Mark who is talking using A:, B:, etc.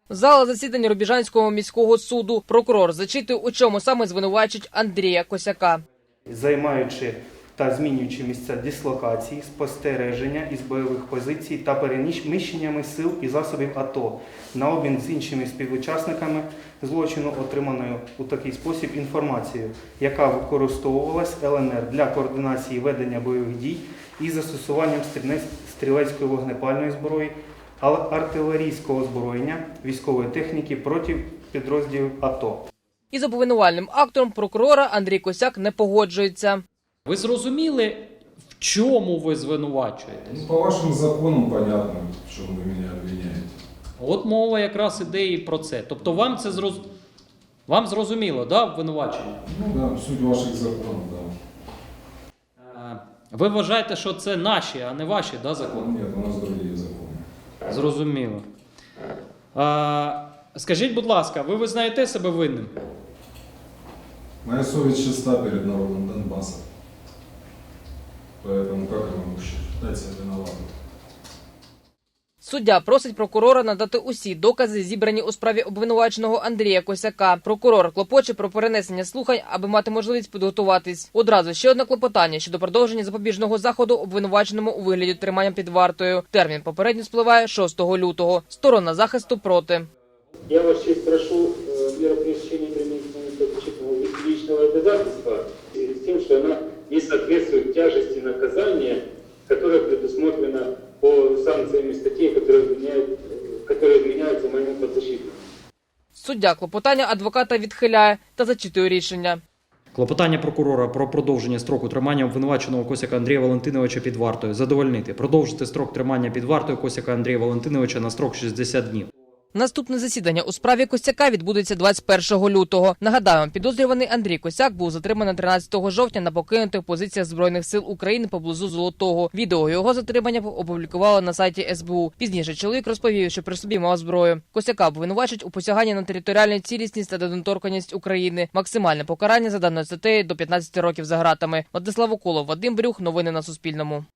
A: Зала засідання Рубіжанського міського суду. Прокурор зачитує, у чому саме звинувачують Андрія Косяка.
B: Займаючи та змінюючи місця дислокації, спостереження із бойових позицій та переміщеннями сил і засобів АТО на обмін з іншими співучасниками злочину, отриманою у такий спосіб інформацією, яка використовувалась ЛНР для координації ведення бойових дій із застосуванням стрілецької вогнепальної зброї, артилерійського озброєння, військової техніки проти підрозділів АТО.
A: Із обвинувальним актом прокурора Андрій Косяк не погоджується.
C: Ви зрозуміли, в чому ви звинувачуєте?
D: По вашим законам понятно, в чому ви мене обвиняєте.
C: От мова якраз іде і про це. Тобто вам зрозуміло, да, обвинувачення?
D: Ну да, суть ваших законів, да.
C: Ви вважаєте, що це наші, а не ваші, да, закони?
D: Ні, у нас інші закони.
C: Зрозуміло. Скажіть, будь ласка, ви визнаєте себе винним?
D: Моя совесть чиста перед народом Донбасса. Поэтому как я могу считать себя виноватым?
A: Суддя просить прокурора надати усі докази, зібрані у справі обвинуваченого Андрія Косяка. Прокурор клопоче про перенесення слухань, аби мати можливість підготуватись. Одразу ще одне клопотання щодо продовження запобіжного заходу обвинуваченому у вигляді тримання під вартою. Термін попередньо спливає 6 лютого. Сторона захисту проти.
E: Я вас честь прошу меру пресечения применить защитного личного обязательства с тем, что она не соответствует тяжести наказания, которое предусмотрено по санкциям статей, которые изменяются моему подзащитному.
A: Суддя клопотання адвоката відхиляє та зачитує рішення.
C: Клопотання прокурора про продовження строку тримання обвинуваченого Косяка Андрія Валентиновича під вартою задовольнити. Продовжити строк тримання під вартою Косяка Андрія Валентиновича на строк 60 днів.
A: Наступне засідання у справі Косяка відбудеться 21 лютого. Нагадаємо, підозрюваний Андрій Косяк був затриманий 13 жовтня на покинутих позиціях Збройних сил України поблизу Золотого. Відео його затримання опублікували на сайті СБУ. Пізніше чоловік розповів, що при собі мав зброю. Косяка обвинувачують у посяганні на територіальну цілісність та недоторканність України. Максимальне покарання за даною статтею до 15 років за ґратами. Владислав Уколов, Вадим Брюх. Новини на Суспільному.